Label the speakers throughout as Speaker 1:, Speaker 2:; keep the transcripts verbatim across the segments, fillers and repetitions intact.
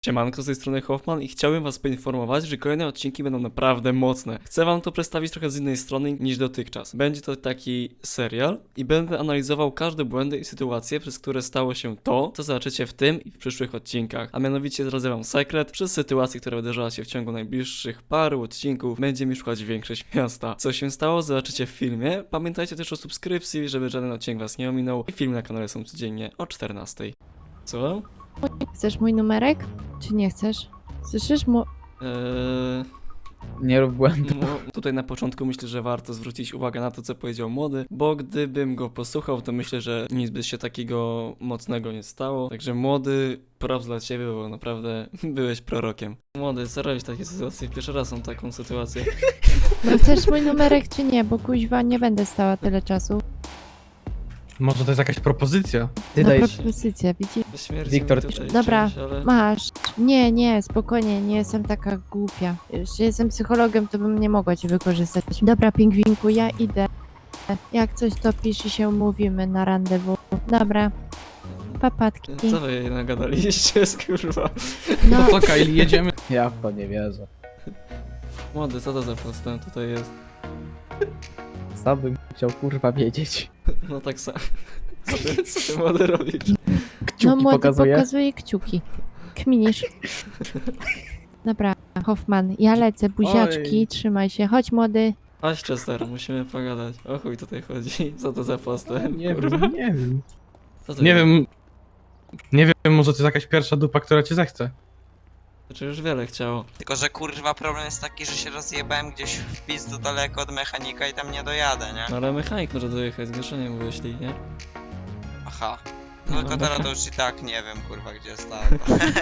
Speaker 1: Siemanko, z tej strony Hoffman i chciałbym was poinformować, że kolejne odcinki będą naprawdę mocne. Chcę wam to przedstawić trochę z innej strony niż dotychczas. Będzie to taki serial i będę analizował każde błędy i sytuacje, przez które stało się to, co zobaczycie w tym i w przyszłych odcinkach. A mianowicie zdradzę wam sekret, przez sytuację, która wydarzyła się w ciągu najbliższych paru odcinków, będzie mi szukać większość miasta. Co się stało, zobaczycie w filmie. Pamiętajcie też o subskrypcji, żeby żaden odcinek was nie ominął i filmy na kanale są codziennie o czternastej. Co?
Speaker 2: Chcesz mój numerek? Czy nie chcesz? Słyszysz mu?
Speaker 1: Eee...
Speaker 3: Nie rób błędu.
Speaker 1: No, tutaj na początku myślę, że warto zwrócić uwagę na to, co powiedział młody, bo gdybym go posłuchał, to myślę, że nic by się takiego mocnego nie stało. Także młody, props dla ciebie, bo naprawdę byłeś prorokiem. Młody, co robisz w takiej sytuacji? Pierwszy raz mam taką sytuację.
Speaker 2: No chcesz mój numerek czy nie? Bo kuźwa nie będę stała tyle czasu.
Speaker 4: Może to jest jakaś propozycja?
Speaker 3: Ty
Speaker 2: Na
Speaker 3: dajesz.
Speaker 2: propozycję, widzisz?
Speaker 1: Śmierdzi
Speaker 3: Wiktor,
Speaker 1: mi tutaj
Speaker 2: dobra.
Speaker 1: czymś, ale...
Speaker 2: Masz. Nie, nie, spokojnie, nie jestem taka głupia. Jeśli jestem psychologiem, to bym nie mogła cię wykorzystać. Dobra, pingwinku, ja idę. Jak coś to pisz i się umówimy na randewu. Dobra. Papatki.
Speaker 1: Co wy nagadaliście, kurwa?
Speaker 2: No,
Speaker 4: To co, Kylie, jedziemy?
Speaker 3: Ja w to nie wierzę.
Speaker 1: Młody, co to za podstęp tutaj jest?
Speaker 3: Sam bym chciał kurwa wiedzieć.
Speaker 1: No tak samo. Co ty, co ty młody robisz?
Speaker 3: Kciuki
Speaker 2: no młody
Speaker 3: pokazuje.
Speaker 2: pokazuje kciuki. Kminisz. Dobra, Hoffman, ja lecę, buziaczki,
Speaker 3: Oj.
Speaker 2: trzymaj się. Chodź młody.
Speaker 1: Chodź, Chester, musimy pogadać. O chuj tutaj chodzi. Co to za postęp?
Speaker 3: Nie
Speaker 1: kurwa?
Speaker 3: wiem, nie wiem.
Speaker 1: Co to
Speaker 4: Nie
Speaker 1: jest?
Speaker 4: wiem. Nie wiem, może to jest jakaś pierwsza dupa, która cię zechce.
Speaker 1: Znaczy już wiele chciało.
Speaker 5: Tylko, że kurwa problem jest taki, że się rozjebałem gdzieś w pizdu daleko od mechanika i tam nie dojadę, nie?
Speaker 1: No ale mechanik może dojechać, zgłoszenie mu wyślij, nie?
Speaker 5: Aha. No
Speaker 1: No,
Speaker 5: tylko
Speaker 1: no.
Speaker 5: teraz to już i tak nie wiem kurwa gdzie jest auto.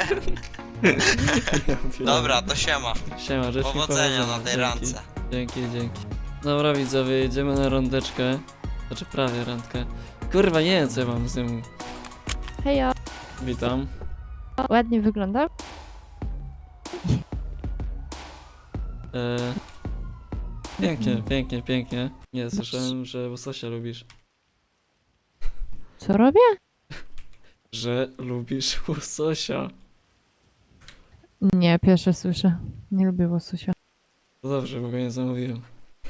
Speaker 5: Dobra, to siema.
Speaker 1: Siema, życzę
Speaker 5: Powodzenia na tej randce.
Speaker 1: Dzięki, dzięki. Dobra widzowie, jedziemy na randeczkę. Znaczy prawie randkę. Kurwa, nie wiem co ja mam z tym.
Speaker 2: Hejo.
Speaker 1: Witam.
Speaker 2: Ładnie wygląda?
Speaker 1: Eee... Pięknie, pięknie, pięknie. Nie, słyszałem, że łososia lubisz.
Speaker 2: Co robię?
Speaker 1: Że lubisz łososia.
Speaker 2: Nie, pierwsze słyszę. Nie lubię łososia.
Speaker 1: To dobrze, bo go nie zamówiłem.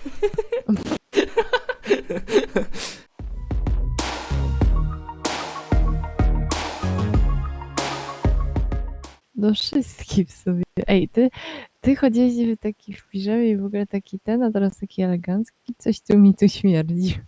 Speaker 2: Do wszystkich w sobie. Ej, ty, ty chodziłeś w takich w piżamie i w ogóle taki ten, a teraz taki elegancki. Coś tu mi tu śmierdzi.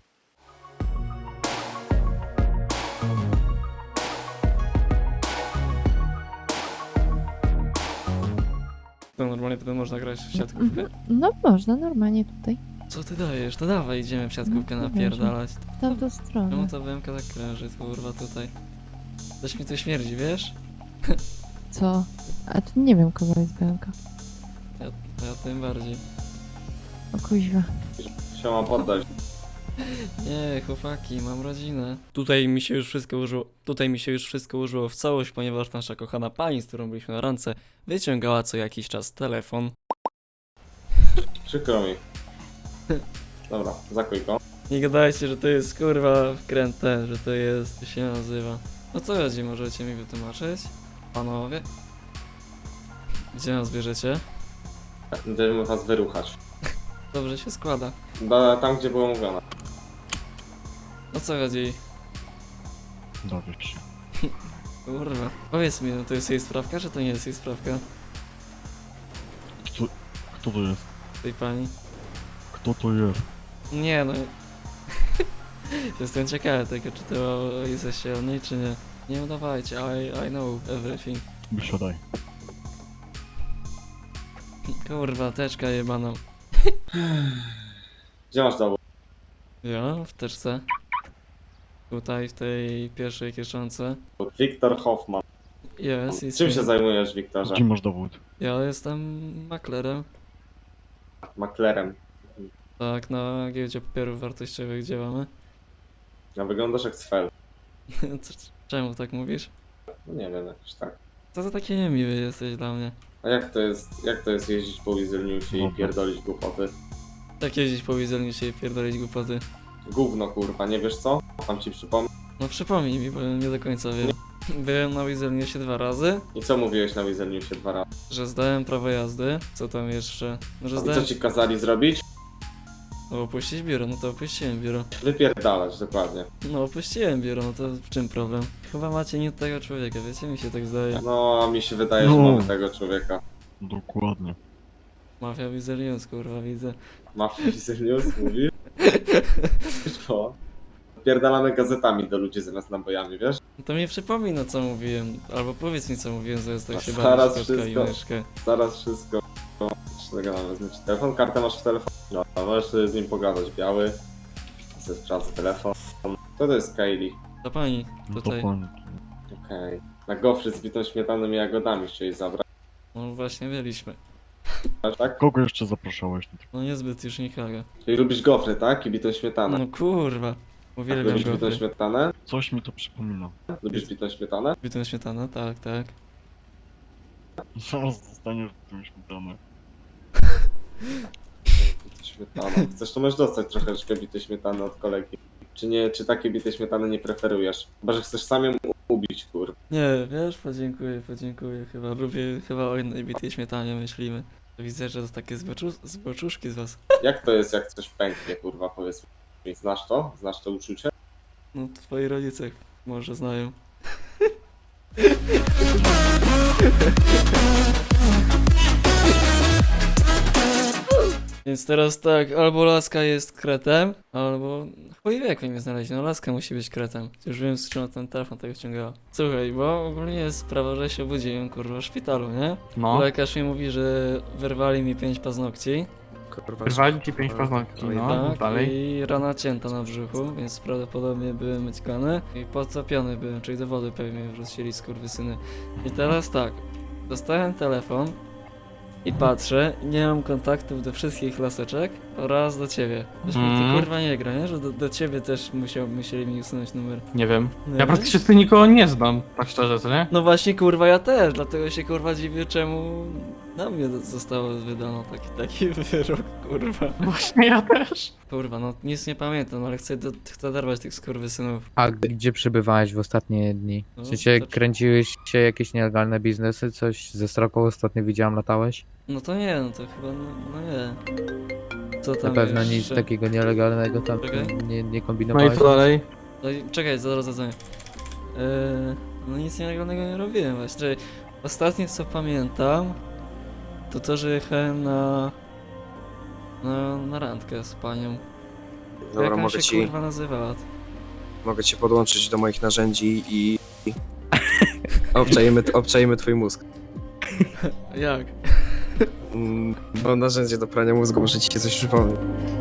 Speaker 1: To normalnie wtedy można grać w siatkówkę?
Speaker 2: No można, normalnie tutaj.
Speaker 1: Co ty dajesz? To dawaj, idziemy w siatkówkę
Speaker 2: No,
Speaker 1: napierdalać.
Speaker 2: W tamtą stronę.
Speaker 1: Czemu ta B M K tak kręży, kurwa, tutaj? Coś mi tu śmierdzi, wiesz?
Speaker 2: Co? A tu nie wiem, kogo jest B M K.
Speaker 1: Ja, ja tym bardziej.
Speaker 2: O kuźwa.
Speaker 6: Siema, poddaj.
Speaker 1: Nie, chłopaki, mam rodzinę. Tutaj mi się już wszystko użyło, tutaj mi się już wszystko użyło w całość, ponieważ nasza kochana pani, z którą byliśmy na randce, wyciągała co jakiś czas telefon.
Speaker 6: Przykro mi. Dobra, zakuj go.
Speaker 1: Nie gadajcie, że to jest kurwa wkręte, że to jest, to się nazywa. O co chodzi, możecie mi wytłumaczyć? Panowie? Gdzie nas bierzecie?
Speaker 6: Będziemy was wyruchać.
Speaker 1: Dobrze się składa.
Speaker 6: Da, tam, gdzie było mówione.
Speaker 1: O co chodzi?
Speaker 7: Dowiesz się.
Speaker 1: Kurwa. Powiedz mi, no to jest jej sprawka, czy to nie jest jej sprawka?
Speaker 7: Kto, kto to jest?
Speaker 1: Tej pani?
Speaker 7: Kto to jest?
Speaker 1: Nie no. Jestem ciekawy tego, czy to jesteście o niej, czy nie. Nie udawajcie, I, I know everything.
Speaker 7: Wysiadaj.
Speaker 1: Kurwa, teczka jebana.
Speaker 6: Gdzie masz dowód?
Speaker 1: Ja? W teczce. Tutaj, w tej pierwszej kieszonce.
Speaker 6: Wiktor Hoffman.
Speaker 1: Jest, jest.
Speaker 6: Czym się zajmujesz, Wiktorze?
Speaker 7: Gdzie masz dowód?
Speaker 1: Ja jestem maklerem.
Speaker 6: Maklerem.
Speaker 1: Tak, na giełdzie papierów wartościowych działamy.
Speaker 6: A wyglądasz jak Svel.
Speaker 1: C- Czemu tak mówisz?
Speaker 6: No nie wiem, jakoś tak.
Speaker 1: Co za taki niemiły jesteś dla mnie?
Speaker 6: A jak to jest, jak to jest jeździć po Wizelniusie i
Speaker 7: Dobra.
Speaker 6: pierdolić głupoty?
Speaker 1: Tak jeździć po wizelni się i pierdolić głupoty.
Speaker 6: Gówno kurwa, nie wiesz co? Mam ci przypomnę.
Speaker 1: No przypomnij mi, bo nie do końca wiem. Byłem na Wizerniusie dwa razy,
Speaker 6: I co mówiłeś na Wizerniusie dwa razy?
Speaker 1: że zdałem prawo jazdy. Co tam jeszcze? No, że
Speaker 6: I co
Speaker 1: zdałem...
Speaker 6: ci kazali zrobić?
Speaker 1: No opuścić biuro, no to opuściłem biuro.
Speaker 6: Wypierdalać, dokładnie.
Speaker 1: No opuściłem biuro, no to w czym problem? Chyba macie nie tego człowieka, wiecie? Mi się tak zdaje.
Speaker 6: No, a mi się wydaje, że
Speaker 7: No.
Speaker 6: mamy tego człowieka.
Speaker 7: Dokładnie.
Speaker 1: Mafia Wizernius, kurwa, widzę.
Speaker 6: Mafia Wizernius, mówisz? Co? Pierdalamy gazetami do ludzi zamiast nabojami, wiesz?
Speaker 1: No to mi przypomina co mówiłem, albo powiedz mi co mówiłem, zamiast tak
Speaker 6: A
Speaker 1: się
Speaker 6: zaraz
Speaker 1: bawić kotka i
Speaker 6: wszystko.
Speaker 1: myszkę.
Speaker 6: Zaraz wszystko. Czego mam wezmę ci telefon? Kartę masz w telefonie. No, możesz sobie z nim pogadać. Biały. Ze sprawdzę telefon. To to jest Kylie.
Speaker 1: To pani,
Speaker 7: No to
Speaker 1: tutaj.
Speaker 7: pani.
Speaker 6: Okej. Na gofry z bitą śmietaną i jagodami chcieli zabrać,
Speaker 1: No właśnie byliśmy.
Speaker 6: tak?
Speaker 7: Kogo jeszcze zapraszałeś?
Speaker 1: No niezbyt już nikogo.
Speaker 6: Czyli lubisz gofry, tak? I bitą śmietanę.
Speaker 1: No kurwa. Uwielbiam
Speaker 6: Lubisz bitą
Speaker 1: go.
Speaker 6: śmietanę?
Speaker 7: Coś mi to przypomina.
Speaker 6: Lubisz bitą śmietanę?
Speaker 1: Bitą śmietana, tak, tak.
Speaker 7: Zaraz dostaniesz tym śmietanę.
Speaker 6: Bitą śmietaną. Chcesz, to możesz dostać troszeczkę bitej śmietany od kolegi. Czy nie, czy takie bite śmietany nie preferujesz? Chyba, że chcesz sam ją u- ubić, kur.
Speaker 1: Nie, wiesz, podziękuję, podziękuję. Chyba lubię, chyba o innej bitej śmietanie myślimy. Widzę, że to takie zboczu, zboczuszki z was.
Speaker 6: Jak to jest, jak coś pęknie, kurwa, powiedz mi. Znasz to? Znasz to uczucie?
Speaker 1: No twoi rodzice może znają. Więc teraz tak, albo laska jest kretem, albo chuj wie jak mnie znaleźć, no laska musi być kretem. Już wiem z czym ten telefon tego ściągała. Słuchaj, bo ogólnie jest sprawa, że się budziłem kurwa w szpitalu, nie?
Speaker 4: No.
Speaker 1: Lekarz mi mówi, że wyrwali mi pięć paznokci,
Speaker 4: Wyrwali ci pięć paznokci, no.
Speaker 1: tak,
Speaker 4: Dalej.
Speaker 1: i rana cięta na brzuchu, więc prawdopodobnie byłem myćkany i podtopiony byłem, czyli do wody pewnie wrzucili skurwysyny. I teraz tak, dostałem telefon i patrzę, nie mam kontaktów do wszystkich laseczek oraz do ciebie. Wiesz, mi to
Speaker 4: Mm.
Speaker 1: kurwa nie gra, nie? Że do, do ciebie też musiał, musieli mi usunąć numer.
Speaker 4: Nie wiem.
Speaker 1: Nie?
Speaker 4: Ja praktycznie z tym nikogo nie znam, tak szczerze, co nie?
Speaker 1: No właśnie kurwa ja też, dlatego się kurwa dziwię czemu na mnie zostało wydano taki, taki wyrok, kurwa.
Speaker 4: Właśnie ja też.
Speaker 1: Kurwa, no nic nie pamiętam, ale chcę, do, chcę darwać tych skurwysynów.
Speaker 3: A gdzie przebywałeś w ostatnie dni?
Speaker 1: No,
Speaker 3: W sensie
Speaker 1: to-
Speaker 3: kręciłeś się jakieś nielegalne biznesy? Coś ze stroką ostatnio widziałem, latałeś?
Speaker 1: No to nie, no to chyba, no, no nie. Co tam
Speaker 3: Na pewno nic
Speaker 1: jeszcze?
Speaker 3: takiego nielegalnego tam
Speaker 1: Czekaj.
Speaker 3: nie, nie
Speaker 4: No i
Speaker 3: kombinowałeś?
Speaker 4: co dalej?
Speaker 1: No i czekaj, zaraz zadzwonię. Eee, no nic nielegalnego nie robiłem właśnie. Czekaj, ostatnie co pamiętam, to to, że jechałem na... na, na randkę z panią.
Speaker 8: Dobra,
Speaker 1: Jak ona
Speaker 8: mogę
Speaker 1: się
Speaker 8: ci,
Speaker 1: kurwa nazywała?
Speaker 8: mogę ci podłączyć do moich narzędzi i... i obczajemy, obczajemy twój mózg.
Speaker 1: Jak?
Speaker 8: Mm, Mam narzędzie do prania mózgu, muszę ci coś przypomnieć.